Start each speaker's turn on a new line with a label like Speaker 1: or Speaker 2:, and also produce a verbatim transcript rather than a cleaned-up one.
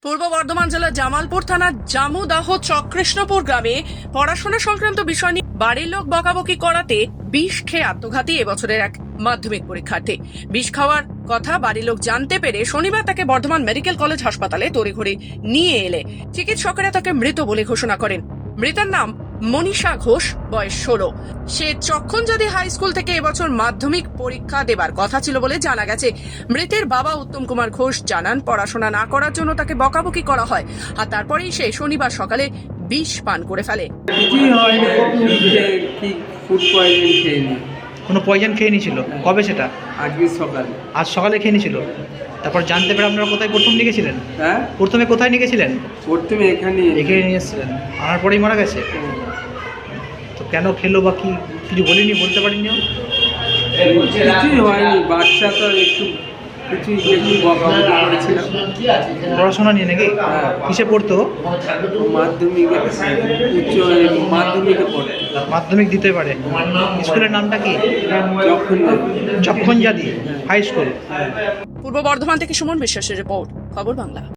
Speaker 1: পূর্ব বর্ধমান জেলার জামালপুর থানার জামুদাহ চক্রেষ্ণপুর গ্রামে পড়াশোনা সংক্রান্ত বিষয় নিয়ে বাড়ির লোক বকাবকি করাতে বিষ খেয়ে আত্মঘাতী এবছরের এক মাধ্যমিক পরীক্ষার্থী। বিষ খাওয়ার কথা বাড়ির লোক জানতে পেরে শনিবার তাকে বর্ধমান মেডিকেল কলেজ হাসপাতালে তড়িঘড়ি নিয়ে এলে চিকিৎসকেরা তাকে মৃত বলে ঘোষণা করেন। মৃতার নাম মনীষা ঘোষ, বয়স ষোলো। সে চক্ষণজাতি হাই স্কুল থেকে এবছর মাধ্যমিক পরীক্ষা দেবার কথা ছিল বলে জানা গেছে। মৃতের বাবা উত্তম কুমার ঘোষ জানান, পড়াশোনা না করার জন্য তাকে বকাবকি করা হয়, আর তারপরেই সে শনিবার সকালে বিষ পান করে ফেলে।
Speaker 2: কিছুই হয়নি, কি ফুড পয়জন খেয়ে নি।
Speaker 3: কোনো পয়জন খেয়ে নিয়েছিল? কবে সেটা?
Speaker 2: আজকে সকালে।
Speaker 3: আজ সকালে খেয়ে নিয়েছিল। তারপর জানতে পেরে আপনারা কোথায় প্রথম নিয়ে গেছিলেন?
Speaker 2: হ্যাঁ,
Speaker 3: প্রথমে কোথায় নিয়ে গেছিলেন?
Speaker 2: প্রথমে এখানে
Speaker 3: এখানে নিয়ে এসেছিলেন, আনার পরেই মারা গেছে। তো কেন খেলো বা কি কিছু বলিনি, বলতে পারিনি?
Speaker 2: কিছুই হয়নি, বাচ্চা তো একটু কিছু একটু বকাবকি করেছিলাম।
Speaker 3: পড়াশোনা নিয়ে নাকি? কিসে পড়তো?
Speaker 2: মাধ্যমিকে, উচ্চ মাধ্যমিকে পড়ে।
Speaker 3: মাধ্যমিক দিতে পারে। স্কুলের নামটা কি?
Speaker 2: যখন
Speaker 3: চক্ষণজাতি হাই স্কুল।
Speaker 1: পূর্ব বর্ধমান থেকে সুমন বিশ্বাসের রিপোর্ট, খবর বাংলা।